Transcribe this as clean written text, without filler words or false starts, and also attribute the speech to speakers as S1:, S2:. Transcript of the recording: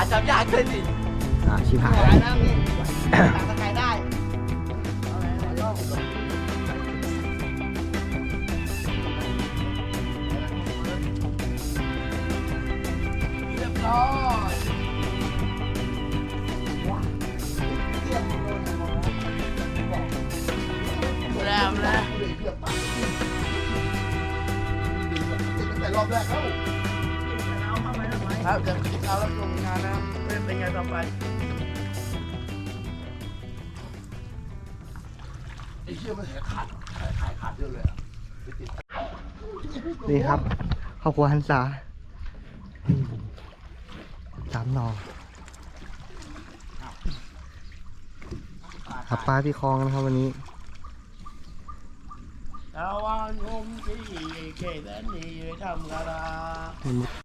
S1: าจำยากขึ้นดิ
S2: ชิบหาย
S1: ได้
S2: แล้ว
S1: นะพี่ต่างสกายได้เรียบร้อยแล้วแต่รอบแรกครับเดี๋ยวเรารับชมงานนะเป็นไงต่อไปไอ้เชี่ยมันขาดเยอะเลยอ่ะ
S2: นี่ครับครอบครัวหันษา3 หน่อหาปลาที่คลองนะครับวันนี้
S1: ตะวันงมที่เกศนี่ทำกระดา